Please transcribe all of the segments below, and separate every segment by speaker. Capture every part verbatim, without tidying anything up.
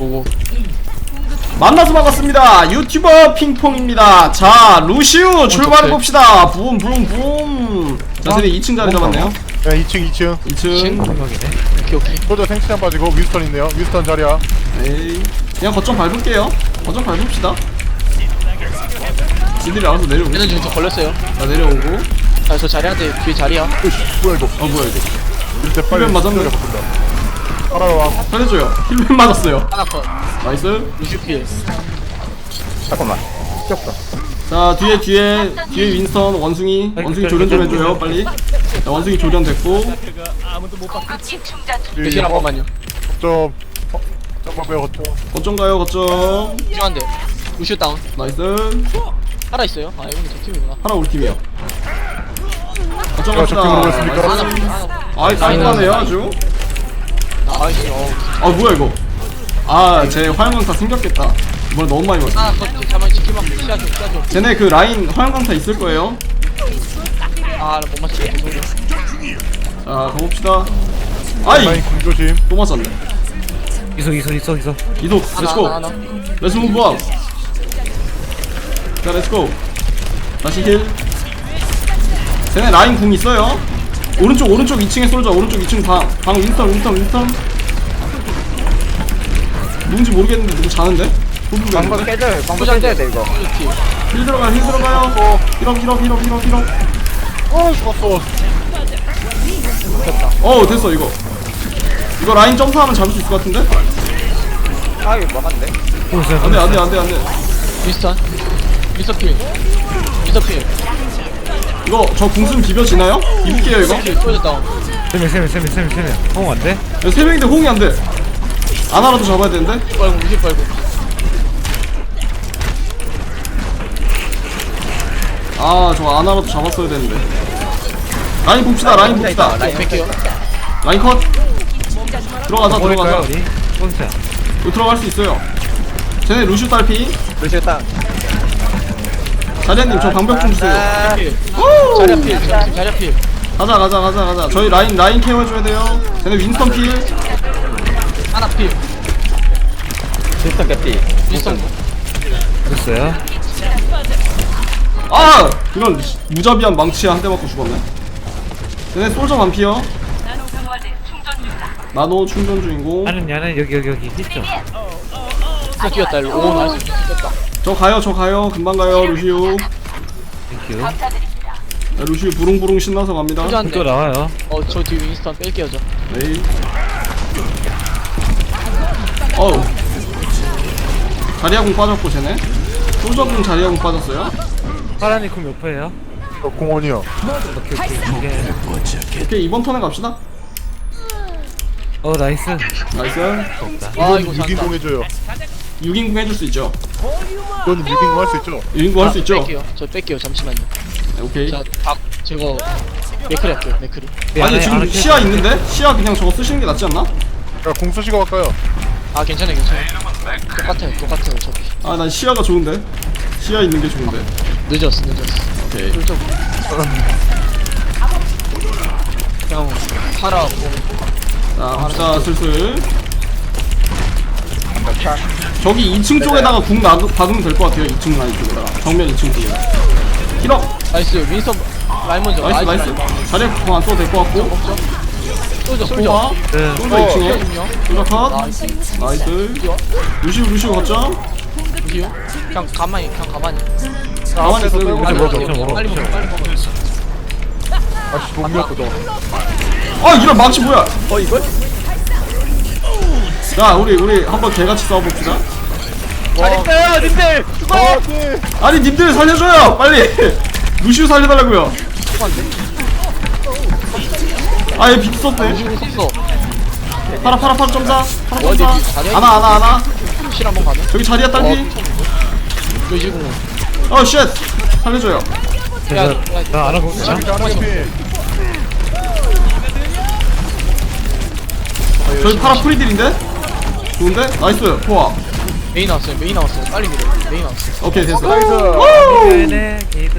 Speaker 1: 보고
Speaker 2: 만나서 반갑습니다. 유튜버 핑퐁입니다. 자, 루시우 출발해봅시다. 붐, 붐, 붐. 자, 세대 이 층 자리 잡았네요.
Speaker 3: 네, 이 층, 이 층.
Speaker 2: 이 층.
Speaker 1: 오케이 오케이.
Speaker 3: 소저 생치장 빠지고 윈스턴 있네요. 윈스턴 자리야.
Speaker 2: 에이. 그냥 거점 밟을게요. 거점 밟읍시다. 지들이 알아서 내려오고.
Speaker 1: 얘는 지금 저 걸렸어요.
Speaker 2: 자, 내려오고.
Speaker 1: 아 저 자리한테 뒤에 자리야.
Speaker 3: 으이씨, 뭐야 이거.
Speaker 2: 어, 뭐야, 이거.
Speaker 3: 이럴 때 빨리
Speaker 2: 힐맨 맞았네.
Speaker 3: 따라와.
Speaker 2: 살려줘요. 힐맨 맞았어요.
Speaker 1: 하나 컷.
Speaker 2: 나이스.
Speaker 1: 루시필.
Speaker 3: 잠깐만. 꼈다.
Speaker 2: 자, 뒤에, 뒤에, 뒤에 윈스턴, 원숭이. 원숭이 조련 좀 해줘요, 빨리. 자, 원숭이 조련 됐고.
Speaker 1: 루시필 한 번만요.
Speaker 3: 좀. 어, 잠깐만 빼요, 거점.
Speaker 2: 거점 가요, 거점.
Speaker 1: 필요한데. 루시오 다운.
Speaker 2: 나이스.
Speaker 1: 살아 있어요. 아 이건 저 팀이구나.
Speaker 2: 하나 우리 팀이요. 거점
Speaker 3: 제가 적팀으로
Speaker 2: 갑시다.
Speaker 3: 오겠습니까?
Speaker 1: 하나 하나.
Speaker 2: 아이, 깔끔하네요, 아주.
Speaker 1: 나이스. 어.
Speaker 2: 아, 뭐야, 이거. 아, 제 화염강타 생겼겠다. 이번에 너무 많이 먹었어.
Speaker 1: 하나 컷. 가만 지키만 시야줘 시야줘.
Speaker 2: 쟤네 그 라인 화염강타 있을 거예요.
Speaker 1: 아못 맞추게 죄송해요.
Speaker 2: 자, 가봅시다. 아이!
Speaker 3: 라인 궁조심.
Speaker 2: 또 맞았네.
Speaker 4: 이속 이속 이속 이속
Speaker 2: 이속,
Speaker 1: 하나
Speaker 2: 렛츠고.
Speaker 1: 하나 하나.
Speaker 2: 렛츠 무브 업. 자, 렛츠고. 다시 힐. 쟤네 라인 궁 있어요. 오른쪽, 오른쪽 이 층에 쏠자. 오른쪽 이 층 방. 방 윈스턴, 윈스턴, 윈스턴. 누군지 모르겠는데 누구 자는데?
Speaker 5: 방법 깨져요. 방법 깨져야 돼 이거.
Speaker 1: 루시필.
Speaker 2: 힐 들어가요, 힐 들어가요. 힐업, 힐업, 힐업, 힐업, 힐업.
Speaker 3: 어, 죽었어.
Speaker 2: 어, 됐어, 이거. 이거 라인 점프하면 잡을 수 있을 것 같은데?
Speaker 5: 아 이거 막았네.
Speaker 2: 안 돼, 안 돼, 안 돼, 안 돼.
Speaker 1: 미스턴. 미스터필. 미스터필.
Speaker 2: 이거 저 궁순 비벼지나요? 입을게요, 이거.
Speaker 1: 미스터필 소저 다운.
Speaker 4: 세명 세명 세명 세명 세명 어 안돼?
Speaker 2: 이거 세 명인데 호응이 안 돼. 아나라도 잡아야 되는데?
Speaker 1: 빨고 루시 빨고.
Speaker 2: 아, 저 아나라도 잡았어야 되는데. 라인 봅시다, 라인 봅시다.
Speaker 1: 라인 뺄게요.
Speaker 2: 라인 컷. 들어가자,
Speaker 4: 버릴까요
Speaker 2: 들어가자.
Speaker 4: 우리? 뽕차
Speaker 2: 이거 들어갈 수 있어요. 쟤네 루슈 딸피.
Speaker 5: 루시오 땅.
Speaker 2: 자리아님, 저 방벽 좀 주세요.
Speaker 5: 아,
Speaker 1: 필.
Speaker 2: 오!
Speaker 1: 자리필. 자리필.
Speaker 2: 가자, 가자, 가자, 가자. 저희 라인, 라인 케어해줘야 돼요. 쟤네 윈스턴 필.
Speaker 1: 하나 필.
Speaker 5: 윈스턴 개피.
Speaker 1: 미스턴.
Speaker 4: 됐어요?
Speaker 2: 아! 이런 무자비한 망치에 한 대 맞고 죽었네. 쟤네 솔저 반피요. 나노 충전 중이고.
Speaker 4: 나는 야는 여기 여기 여기 있죠?
Speaker 1: 진짜 뛰었다 일로. 오 나이스. 뛰었다.
Speaker 2: 저 가요, 저 가요. 금방 가요, 루시우.
Speaker 4: 땡큐
Speaker 2: 네, 루시우 부릉부릉 신나서 갑니다.
Speaker 1: 소저 한
Speaker 4: 또
Speaker 1: 대.
Speaker 4: 나와요
Speaker 1: 어저 뒤에 윈스턴 뺄게요 저.
Speaker 2: 네. 어우. 자리아공 빠졌고, 쟤네. 솔저공 자리아공 빠졌어요.
Speaker 4: 파란이 ኩም몇 퍼예요?
Speaker 3: 저 공원이요.
Speaker 4: 오케이 오케이 오케이
Speaker 2: 오케이, 이번 턴에 갑시다.
Speaker 4: 어 나이스
Speaker 2: 나이스.
Speaker 1: 아 이거
Speaker 3: 육
Speaker 1: 잔다.
Speaker 3: 인공 해줘요.
Speaker 2: 육 인공 해줄 수 있죠.
Speaker 3: 이건 육 인공 할 수 있죠.
Speaker 2: 육 인공 할 수 있죠.
Speaker 1: 뺄게요. 저 뺄게요. 잠시만요.
Speaker 2: 네, 오케이.
Speaker 1: 자박 제거 맥크리 할게요. 맥크리.
Speaker 2: 아니, 지금 시야 있는데? 시야 그냥 저거 쓰시는 게 낫지 않나?
Speaker 3: 자, 공 쓰시고 갈까요?
Speaker 1: 아 괜찮아요 괜찮아요. 똑같아요 똑같아요 어차피.
Speaker 2: 아, 난 시야가 좋은데. 시야 있는 게 좋은데.
Speaker 1: 늦었어 늦었어.
Speaker 2: 오케이.
Speaker 1: 쫄쪽. 그냥 팔아.
Speaker 2: 자, 갑시다, 슬슬. 저기 이 층 쪽에다가 궁 나, 박으면 될 것 같아요. 이 층 라인 쪽에다가. 정면 이 층 쪽에. 힐업!
Speaker 1: 나이스 윈스턴 라인 먼저.
Speaker 2: 나이스, 나이스. 자리에 궁 안 써도 될 것 같고.
Speaker 1: 없죠? 솔저 솔저.
Speaker 2: 포화.
Speaker 4: 네.
Speaker 2: 솔저 이 층에.
Speaker 1: 필요하군요.
Speaker 2: 솔저 컷.
Speaker 1: 나이스.
Speaker 2: 나이스. 루시우, 루시우 걷죠?
Speaker 1: 루시오? 그냥 가만히 그냥 가만히.
Speaker 2: 가만히 있어요.
Speaker 3: 빼고
Speaker 1: 빨리
Speaker 3: 먹어,
Speaker 1: 먹어
Speaker 4: 좀 먹어.
Speaker 1: 빨리 먹어 빨리 먹어.
Speaker 3: 아씨, 못 밀었거든.
Speaker 2: 아, 이런 망치 뭐야?
Speaker 5: 어 이걸?
Speaker 2: 자, 우리, 우리 한번 개같이 싸워봅시다.
Speaker 5: 잘했어요 님들. 수고.
Speaker 3: 아, 네.
Speaker 2: 아니, 님들 살려줘요! 빨리! 루시우 살려달라고요. 아, 얘 비트 썼네.
Speaker 1: 루시오 썼어.
Speaker 2: 파라, 파라, 파라 점사. 파라
Speaker 1: 어디
Speaker 2: 점사.
Speaker 1: 자리야?
Speaker 2: 아나, 아나, 아나.
Speaker 1: 실 한번 가면?
Speaker 2: 저기 자리야, 딸피.
Speaker 1: 루시공.
Speaker 2: 어, 쉣! 살려줘요.
Speaker 1: 야,
Speaker 4: 나 알아보고 있어
Speaker 3: 자, 하나 개피.
Speaker 2: 저희 파라 프리딜인데? 좋은데? 나이스, 포화.
Speaker 1: 메인 나왔어요. 메인 나왔어요. 빨리 밀어. 메인 나왔어.
Speaker 2: 오케이, 됐어.
Speaker 3: 나이스.
Speaker 4: 네네 게이드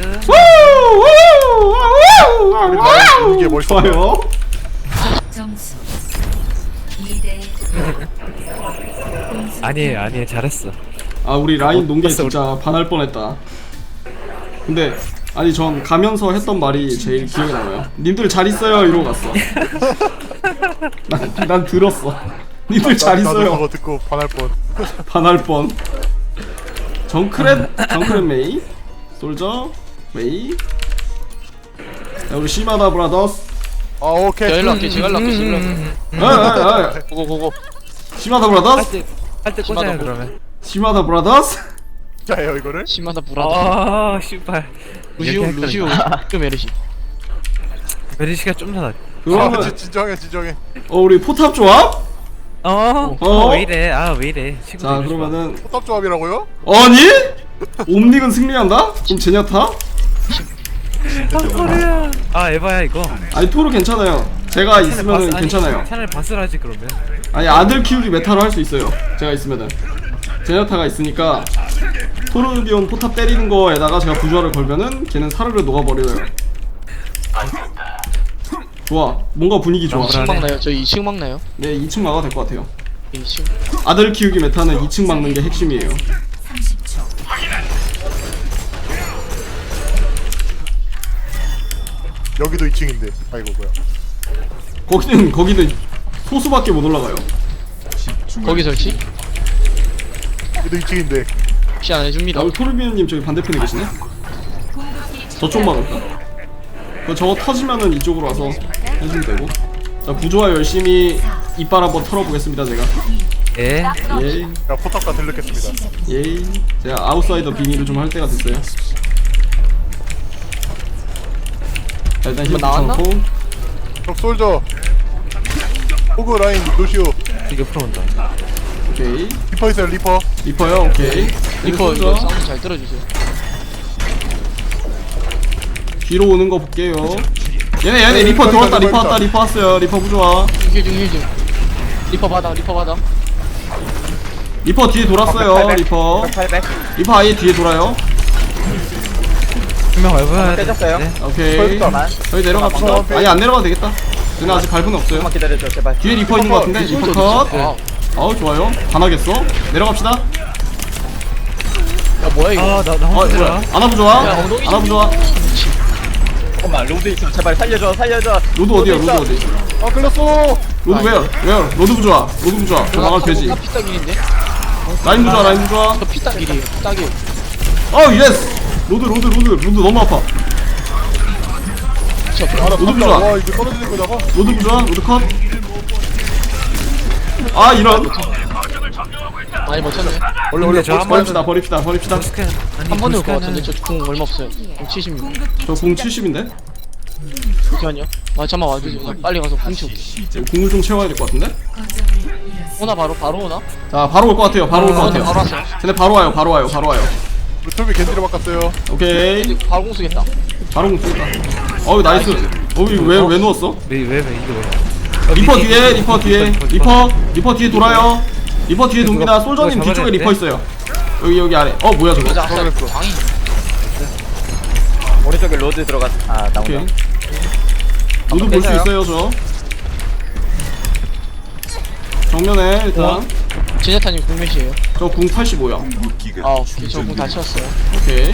Speaker 3: 우리 라인 이게 멋있어요.
Speaker 2: 좋아요.
Speaker 6: 점수
Speaker 4: 아니에요 아니에요 잘했어.
Speaker 2: 아 우리 라인 논게 진짜 반할 뻔했다. 근데 아니 전 가면서 했던 말이 제일 기억에 남아요. 님들 잘 있어요 이러고 갔어. 난, 난 들었어. 님들 잘
Speaker 3: 나도
Speaker 2: 있어요.
Speaker 3: 그거 듣고 반할 뻔.
Speaker 2: 반할 뻔. 정크렛 정크렛 메이 솔저 메이. 자 우리 시마다 브라더스.
Speaker 3: 아 오케이.
Speaker 1: 저 일로 할게 제가 일로 할게 제가 일로 할게
Speaker 2: 에에에
Speaker 1: 고고 고고
Speaker 2: 시마다 브라더스.
Speaker 4: 할때할때 꽂아요
Speaker 1: 심하다,
Speaker 4: 그러면.
Speaker 2: 시마다 브라더스.
Speaker 3: 자요 이거를.
Speaker 1: 심하다 불하다
Speaker 4: 아 씨발.
Speaker 1: 루시오
Speaker 4: 이렇게
Speaker 1: 루시오 그 메르시
Speaker 4: 메리시가 좀 더 나.
Speaker 3: 아
Speaker 2: 그러면
Speaker 3: 진- 진정해 진정해.
Speaker 2: 어 우리 포탑 조합?
Speaker 4: 어?
Speaker 2: 어?
Speaker 4: 어? 왜 이래? 아 왜 이래? 친구
Speaker 2: 자
Speaker 4: 되고 싶어.
Speaker 2: 그러면은
Speaker 3: 포탑 조합이라고요?
Speaker 2: 아니? 옴닉은 승리한다? 그럼 제냐타?
Speaker 4: 아 소리야. 아 에바야 이거.
Speaker 2: 아니 토르 괜찮아요. 제가 있으면
Speaker 4: 바스-
Speaker 2: 괜찮아요.
Speaker 4: 아니, 차라리 바스라지 그러면.
Speaker 2: 아니 아들 키우기 메타로 할 수 있어요. 제가 있으면은 제냐타가 있으니까 토르비온 포탑 때리는 거에다가 제가 부조화를 걸면은 걔는 사르르 녹아버려요. 좋아. 뭔가 분위기 좋아.
Speaker 4: 어,
Speaker 1: 이 층
Speaker 4: 불안해.
Speaker 1: 막나요? 저희 이 층 막나요?
Speaker 2: 네 이 층 막아도 될 것 같아요.
Speaker 1: 이 층
Speaker 2: 아들 키우기 메타는 이 층 막는 게 핵심이에요.
Speaker 3: 여기도 이 층인데. 아이고 뭐야.
Speaker 2: 거기는 거기는 소수밖에 못 올라가요.
Speaker 1: 거기 설치?
Speaker 3: 여기도 이 층인데.
Speaker 1: 혹시 안 해줍니다
Speaker 2: 아, 우리 토르비온님 저기 반대편에 계시네. 저쪽 막을까? 그 저거 터지면은 이쪽으로 와서 해주면 되고. 자 부조화 열심히 이빨 한번 털어보겠습니다 제가.
Speaker 4: 예.
Speaker 2: 예이
Speaker 3: 야 포탑 다 들렸겠습니다.
Speaker 2: 예이. 제가 아웃사이더 비밀을 좀 할 때가 됐어요. 자 일단 힐
Speaker 1: 이거 나왔나?
Speaker 2: 붙여놓고.
Speaker 3: 적 솔저. 호그 라인 루시오.
Speaker 4: 이거 풀어온다.
Speaker 2: 오케이.
Speaker 3: 리퍼 있어요 리퍼.
Speaker 2: 리퍼요. 오케이.
Speaker 1: 리퍼
Speaker 2: 네,
Speaker 1: 이거
Speaker 2: 솔저.
Speaker 1: 사운드 잘 들어주세요
Speaker 2: 뒤로 오는 거 볼게요. 얘네 얘네
Speaker 3: 네,
Speaker 2: 리퍼
Speaker 3: 리퍼
Speaker 2: 들어왔다.
Speaker 3: 있다,
Speaker 2: 리퍼
Speaker 3: 리퍼
Speaker 2: 왔다.
Speaker 3: 있다.
Speaker 2: 리퍼 왔어요. 리퍼 부조화.
Speaker 1: 힐중 힐중 리퍼 받아 리퍼 받아
Speaker 2: 리퍼 뒤에 돌았어요. 리퍼.
Speaker 5: 팔백.
Speaker 2: 리퍼 아예 뒤에 돌아요.
Speaker 4: 분명 얼마나
Speaker 5: 떼졌어요.
Speaker 4: 네.
Speaker 2: 오케이.
Speaker 5: 펄스터만.
Speaker 2: 저희 내려갑시다. 아니 안 내려가도 되겠다. 쟤네 아직 발분이 없어요.
Speaker 5: 조금만 기다려줘 제발.
Speaker 2: 뒤에 리퍼 있는 것 같은데 리퍼 컷.
Speaker 1: 아,
Speaker 2: 아우 좋아요. 반하겠어. 내려갑시다.
Speaker 1: 야 뭐야 이거
Speaker 4: 아나 나
Speaker 2: 어
Speaker 4: 혼자
Speaker 2: 뭐야?
Speaker 4: 들어.
Speaker 2: 아나부 좋아.
Speaker 1: 야, 엉덩이
Speaker 2: 아나부 좋아.
Speaker 5: 잠깐만 로드 있어 제발 살려줘 살려줘.
Speaker 2: 로드 어디야? 로드
Speaker 5: 있어.
Speaker 2: 어디?
Speaker 3: 아 끌렸어.
Speaker 2: 로드 왜요? 왜요? 로드 부좋아. 로드 부좋아. 저 나갈 되지.
Speaker 1: 나 피딱일인데?
Speaker 2: 라인 부좋아. 라인 부좋아.
Speaker 1: 저 피딱일이에요 피딱일
Speaker 2: 어 예스. 로드 로드 로드 로드 너무 아파.
Speaker 1: 저
Speaker 3: 아나
Speaker 2: 로드
Speaker 3: 탔다.
Speaker 2: 부좋아.
Speaker 3: 와 이거 떨어지는 거다가.
Speaker 2: 로드 부좋아. 로드 컷. 아 이런.
Speaker 1: 많이 버텼네
Speaker 3: 원래 원래
Speaker 4: 저
Speaker 3: 포스
Speaker 4: 한
Speaker 2: 버립시다. 버립시다. 버립시다.
Speaker 4: 스캔. 아니
Speaker 1: 한 번에 올 것
Speaker 4: 스캔은-
Speaker 1: 같은데 저 궁 얼마 없어요 궁 칠십육
Speaker 2: 저 공 칠십인데.
Speaker 1: 잠시만요 아 잠깐만 와주세요 그냥 빨리 가서 궁 치고
Speaker 2: 공을 좀 채워야 될 것 같은데.
Speaker 1: 오나 바로 바로 오나?
Speaker 2: 자 바로 올 것 같아요. 바로 올 것
Speaker 1: 아,
Speaker 2: 같아요.
Speaker 1: 바로 왔어요
Speaker 2: 쟤네 바로 와요. 바로 와요. 바로 와요.
Speaker 3: 우리 톨비 겐지로 바꿨어요.
Speaker 2: 오케이.
Speaker 1: 근데 바로 공 쓰겠다
Speaker 2: 바로 공 쓰겠다. 어우 나이스. 어우 왜왜 누웠어?
Speaker 4: 왜왜 왜 이거 왜?
Speaker 2: 리퍼 뒤에 리퍼 뒤에 리퍼 리퍼 뒤에 돌아요. 리퍼 뒤에 돕니다.
Speaker 4: 그거-
Speaker 2: 솔저님
Speaker 4: 그거
Speaker 2: 뒤쪽에
Speaker 4: 잡아야
Speaker 2: 리퍼 있어요. 여기 여기 아래. 어 뭐야 저거?
Speaker 1: 맞아 아까
Speaker 3: 그랬어.
Speaker 1: 광이
Speaker 5: 오른쪽에 로드 들어갔. 아
Speaker 2: 오케이.
Speaker 5: 나온다.
Speaker 2: 로드 볼 수
Speaker 5: 깨져요?
Speaker 2: 있어요 저. 정면에 일단
Speaker 1: 제네타님 궁 몇이에요?
Speaker 2: 저 궁 팔십오야.
Speaker 1: 아 오케이 저궁 다 채웠어요
Speaker 2: 오케이.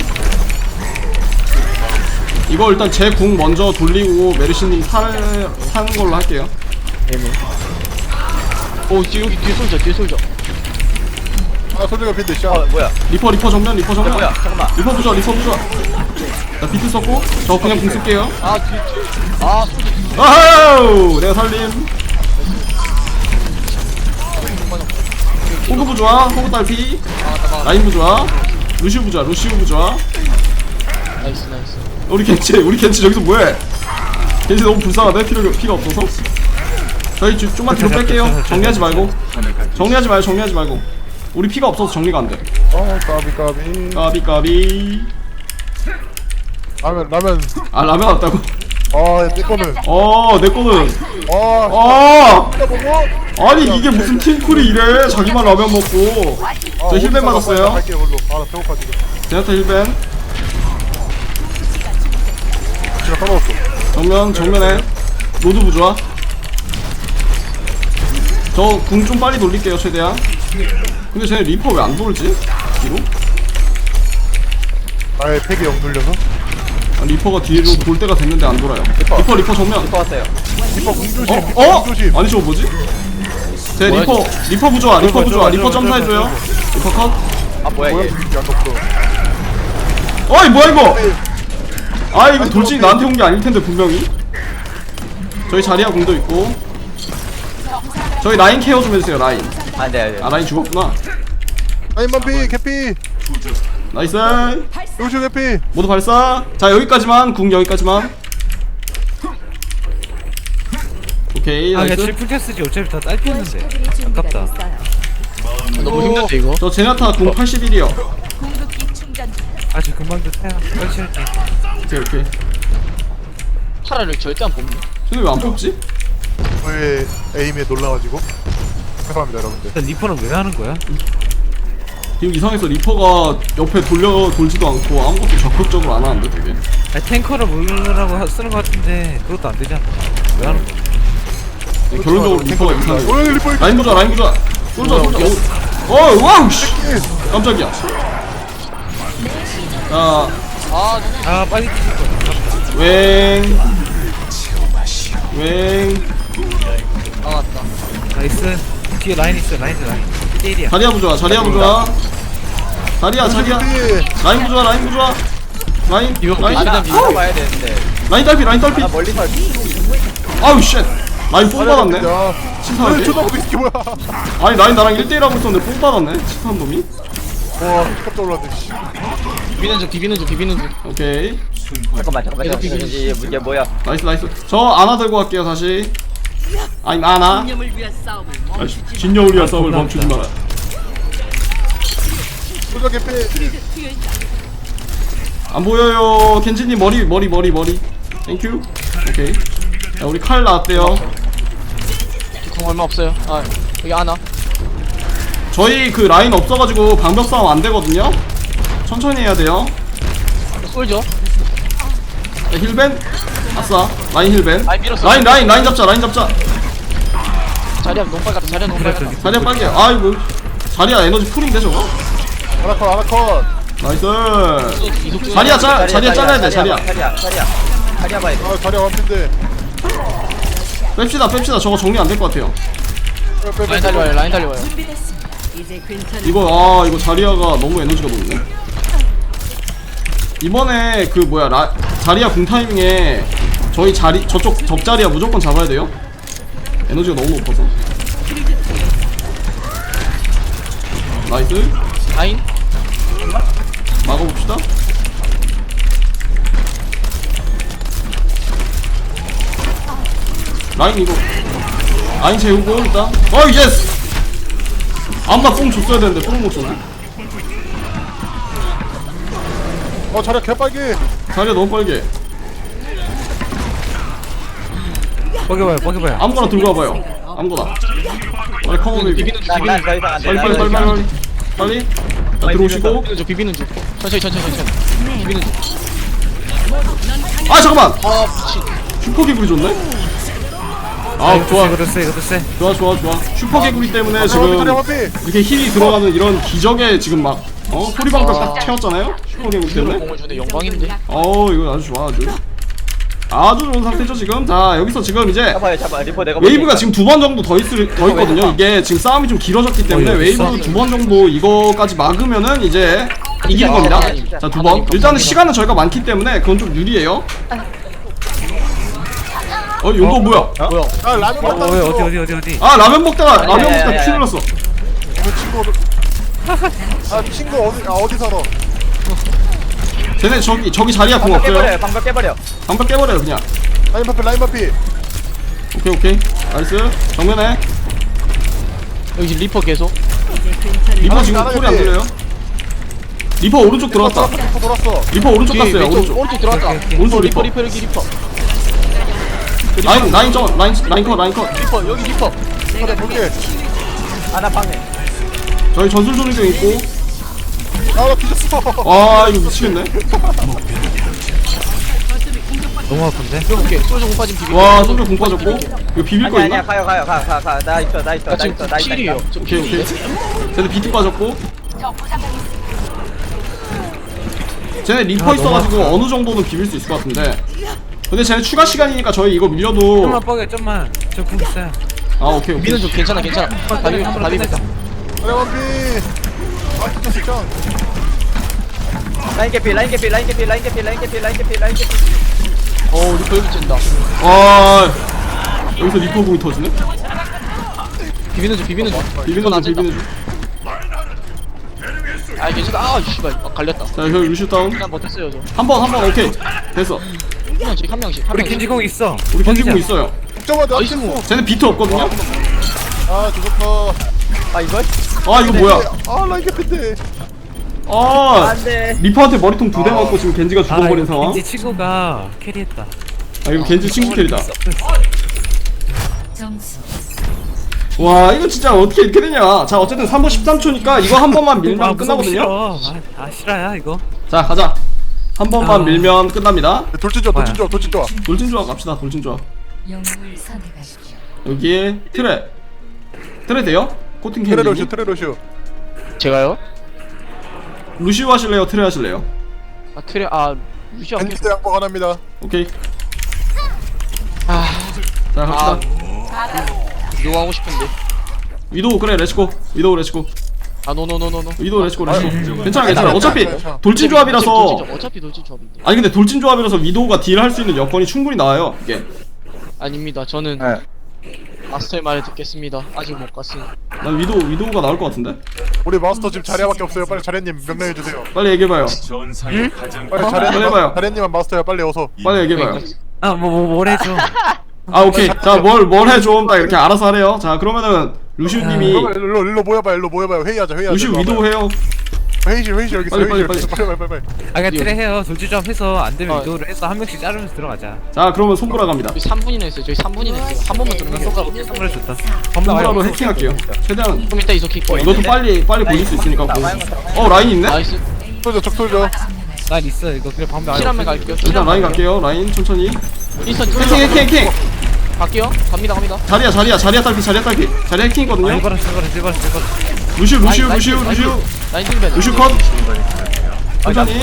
Speaker 2: 이거 일단 제 궁 먼저 돌리고 메르시님 살 사는 걸로 할게요.
Speaker 1: 애매 오 뒤, 여기 뒤에 솔져 뒤에 솔져
Speaker 3: 아 솔저가 빈데 샤.
Speaker 5: 어 뭐야?
Speaker 2: 리퍼 리퍼 정면 리퍼 정면.
Speaker 5: 뭐야? 잠깐만.
Speaker 2: 리퍼 부자 리퍼 부자. 자 비트 썼고 저 그냥 궁 쓸게요.
Speaker 1: 아 뒤에 뒤에 아 솔져
Speaker 2: 아우 내가 살림. 호그 부좋아. 호그 딸피. 라인 부좋아. 루시우 부좋아. 루시우 부좋아.
Speaker 1: 나이스 나이스
Speaker 2: 우리 겐치 우리 겐치 저기서 뭐해? 겐치 너무 불쌍하대. 피가 피가 없어서. 저희 좀- 좀만 뒤로 뺄게요. 정리하지 말고. 정리하지 마요. 정리하지 말고. 우리 피가 없어서 정리가 안 돼.
Speaker 3: 어 까비 까비.
Speaker 2: 까비 까비.
Speaker 3: 라면 라면.
Speaker 2: 아 라면 왔다고?
Speaker 3: 아내 거는.
Speaker 2: 어 내 거는.
Speaker 3: 아.
Speaker 2: 어
Speaker 3: 진짜 먹어.
Speaker 2: 아니 이게 무슨 팀플이 이래? 자기만 라면 먹고. 저 힐벤 맞았어요.
Speaker 3: 할게요 걸로. 아나 배고파 지금.
Speaker 2: 제나타 힐벤.
Speaker 3: 제가 떨어졌어.
Speaker 2: 정면 정면에 로드 부좋아. 저 궁 좀 빨리 돌릴게요 최대한. 근데 쟤네 리퍼 왜 안 돌지? 뒤로?
Speaker 3: 나의 팩이 영 눌려서.
Speaker 2: 아, 리퍼가 뒤로 돌 때가 됐는데 안 돌아요. 리퍼 리퍼 정면.
Speaker 5: 리퍼 왔어요.
Speaker 3: 리퍼 궁조심.
Speaker 2: 어?
Speaker 3: 리퍼
Speaker 2: 어?
Speaker 3: 궁조심.
Speaker 2: 아니 저거 뭐지? 제
Speaker 1: 뭐야,
Speaker 2: 리퍼 리퍼 부조아 리퍼
Speaker 4: 저거,
Speaker 2: 부조아
Speaker 4: 저거,
Speaker 2: 리퍼
Speaker 4: 저거,
Speaker 2: 점사해줘요.
Speaker 4: 저거,
Speaker 2: 리퍼 컷.
Speaker 5: 아 뭐야
Speaker 3: 뭐야
Speaker 5: 이게?
Speaker 3: 이게 안 없어.
Speaker 2: 어이 뭐야 이거? 아 이거
Speaker 3: 아니,
Speaker 2: 돌진이
Speaker 3: 저거
Speaker 2: 나한테 온 게 아닐 텐데 분명히. 저희 자리야 공도 있고. 저희 라인 케어 좀 해주세요 라인.
Speaker 5: 안돼 안돼.
Speaker 2: 아 라인 죽었구나.
Speaker 3: 라인만피 개피.
Speaker 2: 나이스.
Speaker 3: 요시 개피.
Speaker 2: 모두 발사. 자 여기까지만 궁 여기까지만. 오케이
Speaker 4: 아, 그냥
Speaker 2: 나이스.
Speaker 4: 질풍 테스지 어차피 다 딸피였는데. 아깝다.
Speaker 1: 너무 힘든데 이거.
Speaker 2: 저 제나타 궁 팔십일이요.
Speaker 4: 아, 저 금방 좀 태야. 빨리 칠게.
Speaker 2: 오케이 오케이.
Speaker 1: 파라를 절대 안 뽑네.
Speaker 2: 쟤네 왜 안 뽑지?
Speaker 3: 저의 에임에 놀라가지고. 죄송합니다 여러분들.
Speaker 4: 일단 리퍼는 왜 하는 거야?
Speaker 2: 지금 이상해서 리퍼가 옆에 돌려 돌지도 않고 아무것도 적극적으로 안 하는데 되게.
Speaker 4: 아니, 탱커를 모으려고 하- 쓰는 거 같은데 그것도 안 되잖아. 왜 하는 거야?
Speaker 2: 네, 결론적으로 리퍼가 이상해.
Speaker 3: 오 리퍼.
Speaker 2: 라인 보자 라인 보자. 쏠자 쏠자. 어 와우 씨. 깜짝이야. 자
Speaker 1: 아
Speaker 4: 아, 빨리 뛰실 거야.
Speaker 2: 웽. 웽.
Speaker 1: 나갔다.
Speaker 4: 나이스. 뒤에 라인 있어, 라인 라인. 일 대일이야.
Speaker 2: 자리야 부좋아 자리야 부좋아. 자리야 자리야. 라인 부좋아 라인 부좋아. 라인 라인
Speaker 5: 아나
Speaker 2: 라인
Speaker 5: 이거 봐야 되는데.
Speaker 2: 딸피 라인 딸피.
Speaker 5: 나 멀리서
Speaker 2: 아우 쉣. 라인 뽕 받았네.
Speaker 3: 야.
Speaker 2: 치사하게.
Speaker 3: 쳐다보고 있기 뭐야.
Speaker 2: 아니 라인 나랑 일 대일 하고 있었는데 뽕 받았네. 치사한 놈이.
Speaker 3: 와 깜짝 놀랐네. 씨.
Speaker 1: 비비는 중 비비는 중 비비는 중.
Speaker 2: 오케이.
Speaker 5: 잠깐만 잠깐만
Speaker 1: 계속
Speaker 5: 잠깐만. 이게 이게 뭐야?
Speaker 2: 나이스 나이스. 저 아나 들고 갈게요 다시. 아니 아나. 아이씨, 진영을 위한 싸움을 멈추지 마라.
Speaker 3: 소저 개피.
Speaker 2: 안 보여요. 켄지님 머리 머리 머리 머리. 땡큐. 오케이. 야, 우리 칼 나왔대요.
Speaker 1: 궁 얼마 없어요. 아 여기 하나.
Speaker 2: 저희 그 라인 없어가지고 방벽 싸움 안 되거든요. 천천히 해야 돼요.
Speaker 1: 쏠죠.
Speaker 2: 야, 힐벤. 아싸. 라인 힐벤.
Speaker 1: 라인 밀었어.
Speaker 2: 라인 라인 라인 잡자 라인 잡자.
Speaker 1: 자리야 너무 빨갛다. 자리야 너무 빨갛다.
Speaker 2: 자리야 빨개. 아이고. 자리야 에너지 풀인데 저거.
Speaker 3: 아나컷 아나컷.
Speaker 2: 나이스.
Speaker 1: 이속 중.
Speaker 2: 자리야 짜 자리야 잘라야 돼 자리야.
Speaker 5: 자리야 자리야. 자리야 봐야 돼.
Speaker 3: 아 자리 완핀데.
Speaker 2: 뺍시다 뺍시다. 저거 정리 안 될 것 같아요.
Speaker 1: 라인 달려와요. 라인 달려와요.
Speaker 2: 이거 아 이거 자리아가 너무 에너지가 높네. 이번에 그 뭐야 라, 자리아 궁 타이밍에 저희 자리 저쪽 적자리아 무조건 잡아야 돼요. 에너지가 너무 높아서. 나이스.
Speaker 1: 라인.
Speaker 2: 막아봅시다. 라인 이거 라인 재우고 일단. 어 예스. 아마 뽕 줬어야 되는데 뽕 못 줬네.
Speaker 3: 어 자리 개빨개.
Speaker 2: 자리아 너무 빨개.
Speaker 4: 뻐겨봐요, 뻐겨봐요.
Speaker 2: 아무거나 들고 와봐요. 아무거나. 빨리 커버 밀기.
Speaker 1: 비비는 중
Speaker 5: 난난
Speaker 1: 비비는
Speaker 5: 더 이상 안 돼.
Speaker 2: 빨리 빨리 빨리 빨리 빨리. 자, 들어오시고.
Speaker 1: 중 비비는 중. 천천히 천천히 천천히. 비비는 중.
Speaker 2: 아 잠깐만.
Speaker 1: 아 미친.
Speaker 2: 슈퍼 개구리 좋네. 아 좋아
Speaker 4: 이것도 세, 이것도 세.
Speaker 2: 좋아 좋아 좋아. 슈퍼 개구리 때문에
Speaker 3: 자리
Speaker 2: 지금
Speaker 3: 완피.
Speaker 2: 이렇게 힐이 들어가는 이런 기적에 지금 막 어 소리방벽 딱 채웠잖아요. 슈퍼 개구리
Speaker 1: 이대로
Speaker 2: 때문에.
Speaker 1: 공을 주네 영광인데.
Speaker 2: 어 이거 아주 좋아 아주. 아주 좋은 상태죠 지금. 자 여기서 지금 이제
Speaker 5: 잡아요 잡아. 리퍼 내가
Speaker 2: 웨이브가 지금 두 번 정도 더, 있을, 더 있거든요. 이게 지금 싸움이 좀 길어졌기 때문에
Speaker 4: 어, 여기 있어?
Speaker 2: 웨이브 두 번 정도 이거까지 막으면은 이제 이기는 겁니다. 자 두 번. 일단은 시간은 저희가 많기 때문에 그건 좀 유리해요. 어 용거 뭐야?
Speaker 1: 뭐야?
Speaker 3: 아 라면
Speaker 4: 어,
Speaker 3: 먹다.
Speaker 4: 왜, 어디, 어디, 어디, 어디.
Speaker 2: 아 라면 먹다가
Speaker 5: 아니,
Speaker 2: 라면
Speaker 5: 아니,
Speaker 2: 먹다가
Speaker 5: 아니,
Speaker 2: 피
Speaker 5: 아니.
Speaker 2: 눌렀어.
Speaker 3: 그 친구 어디? 아 친구 어디 아 어디 살아?
Speaker 2: 쟤네 저기 저기 자리야 공
Speaker 5: 방벽
Speaker 2: 없어요.
Speaker 5: 깨버려. 방벽 깨버려.
Speaker 2: 방벽 깨버려요 그냥.
Speaker 3: 라인만피 라인만피.
Speaker 2: 오케이 오케이. 나이스. 정면에
Speaker 1: 여기 지금 리퍼 계속.
Speaker 2: 리퍼
Speaker 3: 하나,
Speaker 2: 지금
Speaker 3: 하나
Speaker 2: 소리 안
Speaker 3: 옆에.
Speaker 2: 들려요? 리퍼 오른쪽 들어왔다.
Speaker 3: 리퍼 돌았어.
Speaker 2: 리퍼 오른쪽
Speaker 1: 뒤에
Speaker 2: 갔어요.
Speaker 1: 왼쪽,
Speaker 2: 오른쪽.
Speaker 1: 오른쪽 들어왔다.
Speaker 4: 오케이, 오케이.
Speaker 2: 오른쪽
Speaker 1: 리퍼
Speaker 2: 리퍼.
Speaker 1: 리퍼 여기 리퍼.
Speaker 2: 라인 라인 점 라인 라인 컷 라인 컷.
Speaker 1: 리퍼 여기 리퍼.
Speaker 3: 자리 볼게.
Speaker 5: 아나 방해.
Speaker 2: 저희 전술 조리도 있고.
Speaker 3: 아나 뒤졌어.
Speaker 2: 아 이거 미치겠네.
Speaker 4: 너무 아픈데?
Speaker 1: 오케이 솔저 공 빠진 비비.
Speaker 2: 와 솔저 공 빠졌고 이거 비빌 거
Speaker 5: 아니야
Speaker 2: 있나?
Speaker 5: 아니야 가요 가요 가 가 가 나 있어 나 있어
Speaker 1: 나
Speaker 5: 나
Speaker 1: 지금
Speaker 5: 있어 나 있어
Speaker 1: 칠이에요. 저
Speaker 2: 오케이 오케이 쟤네 비트 빠졌고 쟤네 리퍼
Speaker 4: 아,
Speaker 2: 있어가지고
Speaker 4: 너무
Speaker 2: 어느 정도는 비빌 수 있을 것 같은데 근데 쟤네 추가 시간이니까 저희 이거 밀려도
Speaker 4: 좀만 뻐겨 좀만. 저 궁 있어요.
Speaker 2: 아 오케이 오케이
Speaker 1: 미는 좀 괜찮아 괜찮아. 다비 다비 뺐다.
Speaker 3: 그래 원피 아 진짜 진짜
Speaker 5: 라인 개피 라인 개피 라인 개피 라인 개피 라인 개피 라인 개피 라인 개피
Speaker 1: 어 리퍼 여기 찐다.
Speaker 2: 아 여기서 리퍼 공이 터지네?
Speaker 1: 비비는 중 비비는 중.
Speaker 2: 비비는 중
Speaker 1: 찐다.
Speaker 2: 비비는 중
Speaker 1: 아 괜찮아. 아 씨발 아, 갈렸다.
Speaker 2: 자 여기 루시우 다운
Speaker 1: 그냥 버텼어요 저.
Speaker 2: 한 번 한 번 오케이 됐어
Speaker 1: 한 명씩 한 명씩 한
Speaker 4: 우리
Speaker 1: 명씩.
Speaker 4: 겐지공 있어.
Speaker 2: 우리 겐지공 있어요
Speaker 3: 국정아 나
Speaker 1: 나이스.
Speaker 3: 쳤어
Speaker 2: 쟤네 비트 없거든요?
Speaker 3: 아 죽었어
Speaker 5: 아 이걸?
Speaker 2: 아 이거 뭐야
Speaker 3: 아 라인 개피인데
Speaker 2: 아
Speaker 5: 안돼
Speaker 2: 리퍼한테 머리통 두 대 맞고 지금 겐지가 죽어버린
Speaker 4: 이거
Speaker 2: 상황
Speaker 4: 겐지 친구가 캐리했다.
Speaker 2: 아 이거 겐지 친구 캐리다
Speaker 6: 점수
Speaker 2: 와 이거 진짜 어떻게 이렇게 되냐 자 어쨌든 삼 분 십삼 초니까 이거 한 번만 밀면
Speaker 4: 아, 무서워,
Speaker 2: 끝나거든요
Speaker 4: 싫어. 아, 아 싫어야 이거.
Speaker 2: 자 가자 한 번만
Speaker 4: 아.
Speaker 2: 밀면 끝납니다
Speaker 3: 돌진 좋아 돌진 좋아 돌진 좋아
Speaker 2: 돌진 조합 갑시다 돌진 조합
Speaker 6: 영웅을 선택하십시오.
Speaker 2: 여기에 트레 트레 돼요? 코팅
Speaker 3: 트레로슈
Speaker 2: 캔디
Speaker 3: 트레로슈
Speaker 1: 제가요?
Speaker 2: 루시우 하실래요 트레 하실래요?
Speaker 1: 아 트레 아 루시아.
Speaker 3: 밴디드 양복 하나입니다
Speaker 2: 오케이
Speaker 1: 아
Speaker 2: 자 갑시다
Speaker 1: 이거 하고 싶은데.
Speaker 2: 위도우 그래 렛츠고 위도우 렛츠고
Speaker 1: 아 노노노노노.
Speaker 2: 위도우 렛츠고 렛츠고
Speaker 3: 음.
Speaker 2: 괜찮아 괜찮아 어차피 돌진 조합이라서
Speaker 1: 돌진 조합, 어차피 돌진 조합인데.
Speaker 2: 아니 근데 돌진 조합이라서 위도우가 딜 할 수 있는 여건이 충분히 나와요 이게
Speaker 1: 아닙니다. 저는
Speaker 3: 네.
Speaker 1: 마스터의 말을 듣겠습니다. 아직 못 갔으니.
Speaker 2: 난 위도우 위도우가 나올 것 같은데
Speaker 3: 우리 마스터 지금 자리야밖에 없어요 빨리 자리님 명령해주세요
Speaker 2: 빨리 얘기해봐요
Speaker 3: 빨리
Speaker 2: 빨리
Speaker 3: 자리님
Speaker 2: 해봐요.
Speaker 3: 자리님만 마스터야 빨리 어서
Speaker 2: 빨리 얘기해봐요
Speaker 4: 아 뭐 뭐 뭘 해줘.
Speaker 2: 아 오케이 자 뭘 뭘 해 좀 딱 이렇게 알아서 하래요 자 그러면은 루시우님이
Speaker 3: 일로 일로 일로 모여봐 일로 모여봐요 회의하자 회의하자
Speaker 2: 루시우
Speaker 3: 일로
Speaker 2: 위도우
Speaker 3: 와봐요.
Speaker 2: 해요
Speaker 3: 회의실 회의실 여기 있어
Speaker 2: 빨리,
Speaker 3: 회의실
Speaker 2: 빨리,
Speaker 3: 여기 있어 빨리 빨리 빨리
Speaker 4: 아 그냥 트레 해요. 돌진점 해서 안 되면
Speaker 1: 어.
Speaker 4: 위도를 해서 한 명씩 자르면서 들어가자.
Speaker 2: 자 그러면 손보라 갑니다
Speaker 1: 저희 삼 분이나 했어요. 저희 삼 분이나 했어요. 한 번만 들으면 손가락.
Speaker 4: 선물을 줬다.
Speaker 2: 손보라로 해킹할게요 최대한
Speaker 1: 좀 이따 이소 킥 거예요.
Speaker 2: 이것도 빨리 빨리 보일 수 있으니까 뭐. 어 라인 있네?
Speaker 1: 나이스.
Speaker 3: 쏠져 적 쏠져
Speaker 4: 난 있어 이거 그래 방금
Speaker 1: 킬한번 갈게요.
Speaker 2: 일단 라인 갈게요 라인 천천히
Speaker 1: 인스턴
Speaker 2: 해킹 해킹 해킹
Speaker 1: 갈게요. 갑니다 갑니다.
Speaker 2: 자리야 자리야 자리야 딸피 자리야 딸피 자리야 해킹이거든요
Speaker 4: 일바라 일바라 일바라 일바라.
Speaker 2: 루시우 루시우
Speaker 1: 라인,
Speaker 2: 루시우
Speaker 1: 라인,
Speaker 2: 루시우
Speaker 1: 라인 힐벤.
Speaker 2: 루시우 컷 천천히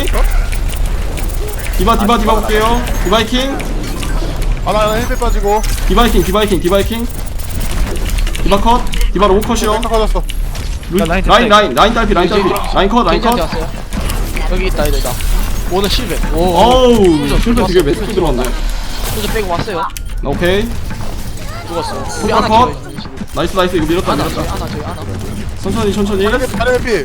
Speaker 2: 디바 디바 디바 볼게요 디바 해킹
Speaker 3: 아나 하나 힐백 빠지고
Speaker 2: 디바 해킹 디바 해킹 디바 해킹 디바 컷 디바 로봇 컷이요
Speaker 3: 딱 맞았어
Speaker 2: 루,
Speaker 4: 야, 라인
Speaker 2: 라인
Speaker 4: 됐다,
Speaker 2: 라인 라인 딸피 라인 딸피 라인 컷 라인 컷
Speaker 1: 겐지한테 왔어요. 여기 있다 얘들다. 오늘 실베. 오.
Speaker 2: 어우 실패 되게 매스크 들어왔네
Speaker 1: 소저 빼고 왔어요.
Speaker 2: 오케이
Speaker 1: 죽었어. 우리
Speaker 2: 컷,
Speaker 1: 하나
Speaker 2: 컷.
Speaker 1: 키워요. 지금.
Speaker 2: 나이스 나이스 이거 밀었다
Speaker 1: 하나 저희
Speaker 2: 밀었다
Speaker 1: 하나 저희 하나.
Speaker 2: 천천히 천천히
Speaker 3: 자리 피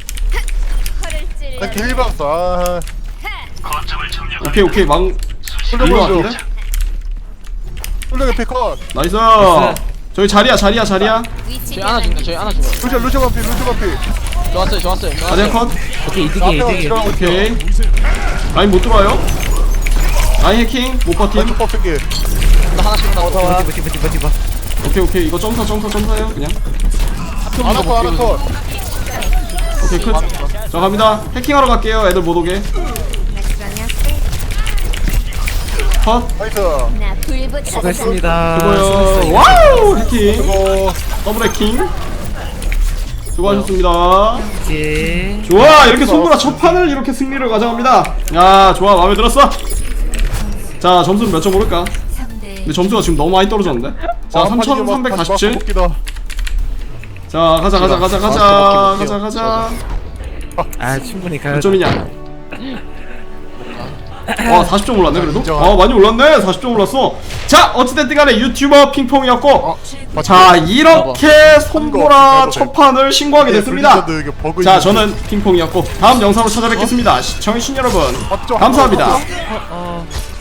Speaker 3: 나 길 봤어 아
Speaker 2: 오케이 오케이 망
Speaker 3: 쏠져
Speaker 2: 이거
Speaker 3: 보여줘
Speaker 2: 같은데?
Speaker 3: 쏠져 피컷
Speaker 2: 나이스 저기 자리야 자리야 자리야
Speaker 1: 저희 하나 죽네. 저희 하나 죽어요.
Speaker 3: 루시오 루시오 반피 루시오 반피
Speaker 1: 좋았어요 좋았어요.
Speaker 2: 자리야
Speaker 1: 좋았어요.
Speaker 2: 컷
Speaker 4: 오케이 이득이
Speaker 3: 앞에
Speaker 4: 이득이.
Speaker 3: 들어가고 있어
Speaker 2: 오케이 라인 못 들어와요 라인 해킹 못 버팀
Speaker 3: 왼쪽 뻗기
Speaker 1: 나 하나씩 나와.
Speaker 4: 디바 디바 디바 디바.
Speaker 2: 오케이 오케이 이거 점사 점사 점사해요 그냥
Speaker 3: 아나컷 아나컷
Speaker 2: 오케이 끝자 갑니다 해킹하러 갈게요 애들 못 오게 컷
Speaker 3: 나이스
Speaker 4: 수고했습니다.
Speaker 2: 그거요 와우 해킹
Speaker 3: 그거
Speaker 2: 더블 해킹 수고하셨습니다
Speaker 4: 이제
Speaker 2: 좋아 이렇게 손보라 첫 판을 이렇게 승리를 가져갑니다 야 좋아 마음에 들었어 자 점수는 몇 점 오를까 근데 점수가 지금 너무 많이 떨어졌는데 자 삼천삼백사십칠 자 가자 가자 가자 가자 가자 가자
Speaker 4: 아 충분히 가야
Speaker 2: 몇 점이냐 와 사십 점 올랐네 그래도? 아 많이 올랐네 사십 점 올랐어 자 어찌됐든 간에 유튜버 핑퐁이었고 자 이렇게 손보라 첫 판을 신고하게 됐습니다 자 저는 핑퐁이었고 다음 영상으로 찾아뵙겠습니다 시청해주신 여러분 감사합니다
Speaker 4: 어, 어.